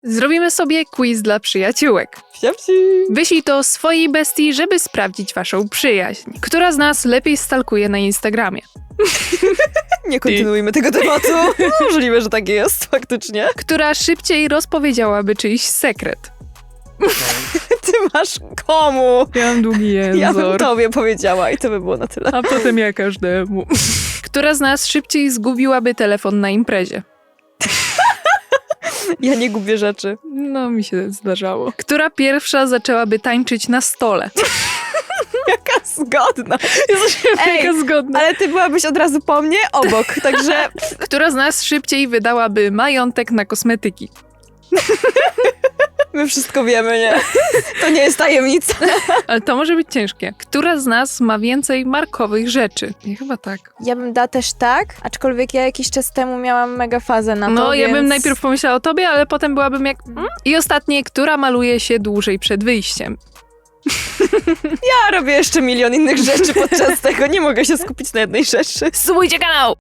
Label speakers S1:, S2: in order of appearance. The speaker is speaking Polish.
S1: Zrobimy sobie quiz dla przyjaciółek.
S2: Wsiapci.
S1: Wyślij to swojej bestii, żeby sprawdzić waszą przyjaźń. Która z nas lepiej stalkuje na Instagramie?
S2: Nie kontynuujmy tego tematu. Możliwe, że tak jest, faktycznie.
S1: Która szybciej rozpowiedziałaby czyjś sekret?
S2: Ty masz komu?
S1: Ja mam długi język.
S2: Ja bym tobie powiedziała i to by było na tyle.
S1: A potem ja każdemu. Która z nas szybciej zgubiłaby telefon na imprezie?
S2: Ja nie gubię rzeczy.
S1: No, mi się zdarzało. Która pierwsza zaczęłaby tańczyć na stole?
S2: Jaka zgodna.
S1: Jaka zgodna.
S2: Ale ty byłabyś od razu po mnie obok, także...
S1: Która z nas szybciej wydałaby majątek na kosmetyki?
S2: My wszystko wiemy, nie? To nie jest tajemnica.
S1: Ale to może być ciężkie. Która z nas ma więcej markowych rzeczy? Ja chyba tak.
S2: Ja bym dała też tak, aczkolwiek ja jakiś czas temu miałam mega fazę na to,
S1: No, ja
S2: więc...
S1: bym najpierw pomyślała o tobie, ale potem byłabym jak... I ostatnie, która maluje się dłużej przed wyjściem?
S2: Ja robię jeszcze milion innych rzeczy podczas tego, nie mogę się skupić na jednej rzeczy.
S1: Subujcie kanał!